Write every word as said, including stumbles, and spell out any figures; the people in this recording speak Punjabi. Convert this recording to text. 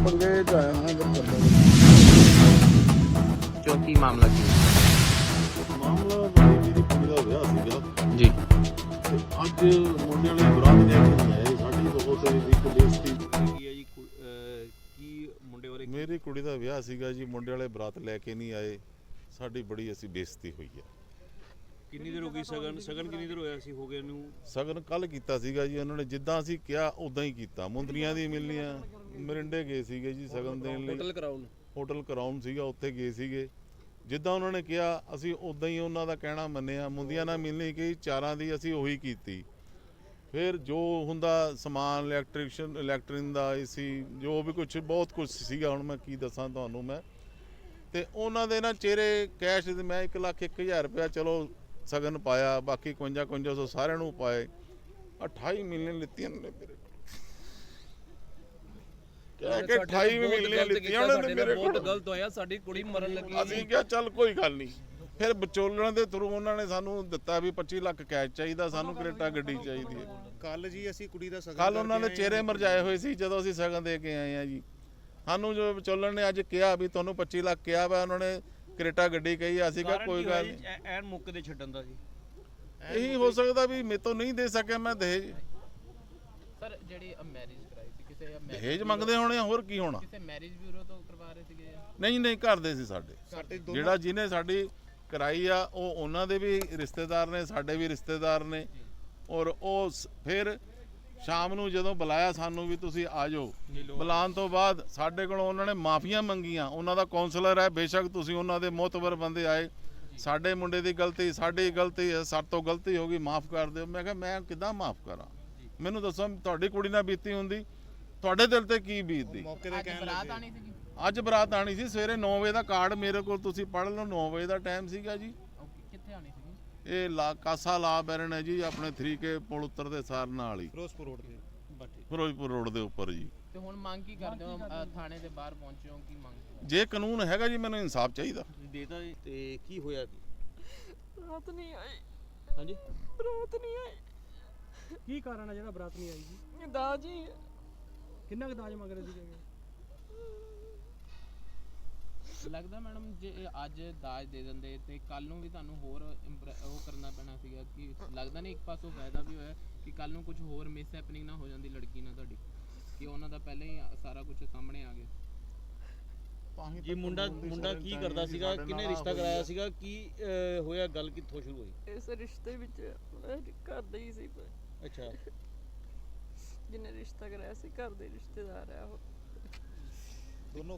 पंगे च आया हाँ इधर कर दो। क्यों की मामला की ਮਾਮਲਾ ਬੜੀ ਮੇਰੀ ਕੁੜੀ ਦਾ ਵਿਆਹ ਸੀਗਾ जी ਤੇ ਅੱਜ ਮੁੰਡੇ ਵਾਲੇ ਬਰਾਤ ਲੈ ਕੇ ਨਹੀਂ ਆਏ ਸਾਡੀ ਬਹੁਤ ਇੱਕ ਬੇਇੱਜ਼ਤੀ ਕੀ ਹੈ ਜੀ ਕੁ- ਅਹ ਕੀ ਮੁੰਡੇ ਬਾਰੇ ਮੇਰੀ ਕੁੜੀ ਦਾ ਵਿਆਹ ਸੀਗਾ ਜੀ ਮੁੰਡੇ ਵਾਲੇ ਬਰਾਤ ਲੈ ਕੇ ਨਹੀਂ ਆਏ ਸਾਡੀ ਬੜੀ ਅਸੀਂ ਬੇਇੱਜ਼ਤੀ ਹੋਈ ਹੈ। ਕਿੰਨੀ ਦੇਰ ਹੋ ਗਈ ਸਗਨ ਸਗਨ ਕਿੰਨੀ ਦੇਰ ਹੋਇਆ ਸੀ ਹੋ ਗਏ ਨੂੰ ਸਗਨ ਕੱਲ ਕੀਤਾ ਸੀਗਾ ਜੀ ਉਹਨਾਂ ਨੇ ਜਿੱਦਾਂ ਅਸੀਂ ਕਿਹਾ ਉਦਾਂ ਹੀ ਕੀਤਾ ਮੁੰਦਰੀਆਂ ਦੀ ਮਿਲਣੀਆਂ ਮਰਿੰਡੇ ਗਏ ਸੀਗੇ ਜੀ ਸਗਨ ਦੇਣ ਲਈ ਹੋਟਲ ਕਰਾਉਣ ਹੋਟਲ ਕਰਾਉਣ ਸੀਗਾ ਉੱਥੇ ਗਏ ਸੀਗੇ ਜਿੱਦਾਂ ਉਹਨਾਂ ਨੇ ਕਿਹਾ ਅਸੀਂ ਉਦਾਂ ਹੀ ਉਹਨਾਂ ਦਾ ਕਹਿਣਾ ਮੰਨਿਆ ਮੁੰਦੀਆਂ ਨਾਲ ਮਿਲਣੀ ਕਿ ਚਾਰਾਂ ਦੀ ਅਸੀਂ ਉਹੀ ਕੀਤੀ ਫਿਰ ਜੋ ਹੁੰਦਾ ਸਮਾਨ ਇਲੈਕਟ੍ਰੀਸ਼ਨ ਇਲੈਕਟ੍ਰਿਨ ਦਾ ਏਸੀ ਜੋ ਵੀ ਕੁਝ ਬਹੁਤ ਕੁਝ ਸੀਗਾ ਹੁਣ ਮੈਂ ਕੀ ਦੱਸਾਂ ਤੁਹਾਨੂੰ ਮੈਂ ਤੇ ਉਹਨਾਂ ਦੇ ਨਾ ਚਿਹਰੇ ਕੈਸ਼ ਤੇ ਮੈਂ ਇੱਕ ਲੱਖ ਇੱਕ ਹਜ਼ਾਰ ਰੁਪਇਆ ਚਲੋ ਸਗਨ ਪਾਇਆ ਬਾਕੀ ਇਕਵੰਜਾ ਇਕਵੰਜਾ ਸੌ ਸਾਰਿਆਂ ਨੂੰ ਪਾਏ ਅਠਾਈ ਮਿਲੀਅਨ ਲਿੱਤੀਆਂ ਨੇ ਮੇਰੇ ਕਹਿ ਕੇ ਅਠਾਈ ਮਿਲੀਅਨ ਲਿੱਤੀਆਂ ਉਹਨਾਂ ਨੇ ਮੇਰੇ ਕੋਲ ਬਹੁਤ ਗਲਤ ਹੋਇਆ ਸਾਡੀ ਕੁੜੀ ਮਰਨ ਲੱਗੀ ਅਸੀਂ ਕਿਹਾ ਚੱਲ ਕੋਈ ਗੱਲ ਨਹੀਂ ਫਿਰ ਵਿਚੋਲਣ ਦੇ ਥਰੂ ਉਹਨਾਂ ਨੇ ਸਾਨੂੰ ਦਿੱਤਾ ਵੀ ਪੱਚੀ ਲੱਖ ਕੈਸ਼ ਚਾਹੀਦਾ ਸਾਨੂੰ ਕਰੇਟਾ ਗੱਡੀ ਚਾਹੀਦੀ ਹੈ ਕੱਲ ਜੀ ਅਸੀਂ ਕੁੜੀ ਦਾ ਸਗਨ ਕੱਲ ਉਹਨਾਂ ਦੇ ਚਿਹਰੇ ਮਰਜਾਏ ਹੋਏ ਸੀ ਜਦੋਂ ਅਸੀਂ ਸਗਨ ਦੇ ਕੇ ਆਏ ਆ ਜੀ ਸਾਨੂੰ ਜੋ ਵਿਚੋਲਣ ਨੇ ਅੱਜ ਕਿਹਾ ਵੀ ਤੁਹਾਨੂੰ ਪੱਚੀ ਲੱਖ ਕਿਹਾ ਵਾ ਉਹਨਾਂ ਨੇ ਕਰੇਟਾ ਗੱਡੀ ਕਹੀ ਅਸੀਂ ਕਿਹਾ ਕੋਈ ਗੱਲ ਨਹੀਂ ਐਨ ਮੁੱਕ ਦੇ ਛੱਡਣ ਦਾ ਸੀ ਇਹੀ ਹੋ ਸਕਦਾ ਵੀ ਮੇਰੇ ਤੋਂ ਨਹੀਂ ਦੇ ਸਕਿਆ ਮੈਂ ਦਹੇਜ ਸਰ ਜਿਹੜੀ ਮੈਰਿਜ ਕਰਾਈ ਸੀ ਕਿਸੇ ਦਹੇਜ ਮੰਗਦੇ ਹੋਣੇ ਆ, ਹੋਰ ਕੀ ਹੋਣਾ ਕਿਸੇ ਮੈਰਿਜ ਬਿਊਰੋ ਤੋਂ ਕਰਵਾ ਰਹੇ ਸੀਗੇ ਨਹੀਂ ਨਹੀਂ ਕਰਦੇ ਸੀ ਸਾਡੇ ਸਾਡੇ ਜਿਹੜਾ ਜਿਹਨੇ ਸਾਡੀ ਕਰਾਈ ਆ ਉਹ ਉਹਨਾਂ ਦੇ ਵੀ ਰਿਸ਼ਤੇਦਾਰ ਨੇ ਸਾਡੇ ਵੀ ਰਿਸ਼ਤੇਦਾਰ ਨੇ ਔਰ ਉਹ ਸ- ਫਿਰ ਸ਼ਾਮ ਨੂੰ ਜਦੋਂ ਬੁਲਾਇਆ ਸਾਨੂੰ ਵੀ ਤੁਸੀਂ ਆ ਜਾਓ ਬੁਲਾਉਣ ਤੋਂ ਬਾਅਦ ਸਾਡੇ ਕੋਲੋਂ ਉਹਨਾਂ ਨੇ ਮਾਫੀਆਂ ਮੰਗੀਆਂ ਉਹਨਾਂ ਦਾ ਕਾਉਂਸਲਰ ਹੈ ਬੇਸ਼ੱਕ ਤੁਸੀਂ ਉਹਨਾਂ ਦੇ ਮੋਤਬਰ ਬੰਦੇ ਆਏ ਸਾਡੇ ਮੁੰਡੇ ਦੀ ਗਲਤੀ ਸਾਡੀ ਗਲਤੀ ਹੈ ਸਾਡੇ ਤੋਂ ਗਲਤੀ ਹੋ ਗਈ ਮਾਫ ਕਰ ਦਿਓ ਮੈਂ ਕਿਹਾ ਮੈਂ ਕਿੱਦਾਂ ਮਾਫ ਕਰਾਂ ਮੈਨੂੰ ਦੱਸੋ ਤੁਹਾਡੀ ਕੁੜੀ ਨਾਲ ਬੀਤੀ ਹੁੰਦੀ ਤੁਹਾਡੇ ਦਿਲ ਤੇ ਕੀ ਬੀਤਦੀ ਮੌਕੇ ਤੇ ਕਹਿਣ ਬਰਾਤ ਲੱਗੇ ਆਣੀ ਸੀਗੀ ਅੱਜ ਬਰਾਤ ਆਣੀ ਸੀ ਸਵੇਰੇ ਨੌ ਵਜੇ ਦਾ ਕਾਰਡ ਮੇਰੇ ਕੋਲ ਤੁਸੀਂ ਪੜ੍ਹ ਲਓ ਨੌ ਵਜੇ ਦਾ ਟਾਈਮ ਸੀਗਾ ਜੀ ਓਕੇ ਕਿੱਥੇ ਆਣੀ ਸੀਗੀ ਇਹ ਲਾ ਕਾਸਾ ਲਾ ਬੈਰਨ ਹੈ ਜੀ ਆਪਣੇ ਥਰੀ ਕੇ ਪੁਲ ਉੱਤਰ ਦੇ ਸਾਰ ਨਾਲ ਹੀ ਫਿਰੋਜ਼ਪੁਰ ਰੋਡ ਤੇ ਫਿਰੋਜ਼ਪੁਰ ਰੋਡ ਦੇ ਉੱਪਰ ਜੀ ਤੇ ਹੁਣ ਮੰਗ ਕੀ ਕਰਦੇ ਹੋ ਅ, ਥਾਣੇ ਦੇ ਬਾਹਰ ਪਹੁੰਚੇ ਹੋ ਕੀ ਮੰਗ ਜੇ ਕਾਨੂੰਨ ਹੈਗਾ ਜੀ ਮੈਨੂੰ ਇਨਸਾਫ ਚਾਹੀਦਾ ਦੇਤਾ ਜੀ ਤੇ ਕੀ ਹੋਇਆ ਕੀ ਰਾਤ ਨਹੀਂ ਆਈ ਹਾਂਜੀ ਰਾਤ ਨਹੀਂ ਆਈ ਕੀ ਕਾਰਨ ਆ ਜਿਹੜਾ ਬਰਾਤ ਨਹੀਂ ਆਈ ਜੀ ਦਾਜੀ ਕਿੰਨਾ ਕੁ ਦਾਜ ਮੰਗ ਰਹੇ ਸੀਗੇ ਲੱਗਦਾ ਮੈਡਮ ਜੇ ਇਹ ਅੱਜ ਦਾਜ ਦੇ ਦਿੰਦੇ ਤੇ ਕੱਲ ਨੂੰ ਵੀ ਤੁਹਾਨੂੰ ਹੋਰ ਇੰਪ੍ਰੈ- ਉਹ ਕਰਨਾ ਪੈਣਾ ਸੀਗਾ ਕਿ ਲੱਗਦਾ ਨਹੀਂ ਇੱਕ ਪਾਸੋਂ ਫਾਇਦਾ ਵੀ ਹੋਇਆ ਕਿ ਕੱਲ ਨੂੰ ਕੁਝ ਹੋਰ ਮਿਸ ਹੈਪਨਿੰਗ ਨਾ ਹੋ ਜਾਂਦੀ ਲੜਕੀ ਨਾਲ ਤੁਹਾਡੀ ਕਿ ਉਹਨਾਂ ਦਾ ਪਹਿਲਾਂ ਹੀ ਸਾਰਾ ਕੁਝ ਸਾਹਮਣੇ ਆ ਗਿਆ ਜੀ ਮੁੰਡਾ ਮੁੰਡਾ ਕੀ ਕਰਦਾ ਸੀਗਾ ਕਿਹਨੇ ਰਿਸ਼ਤਾ ਕਰਾਇਆ ਸੀਗਾ ਕੀ ਅਹ, ਹੋਇਆ ਗੱਲ ਕਿੱਥੋਂ ਸ਼ੁਰੂ ਹੋਈ ਇਸ ਰਿਸ਼ਤੇ ਵਿੱਚ ਘਰ ਦਾ ਹੀ ਸੀ ਅੱਛਾ ਜਿਹਨੇ ਰਿਸ਼ਤਾ ਕਰਾਇਆ ਸੀ ਘਰ ਦੇ ਰਿਸ਼ਤੇਦਾਰ ਆ ਉਹ ਦੋਨੋਂ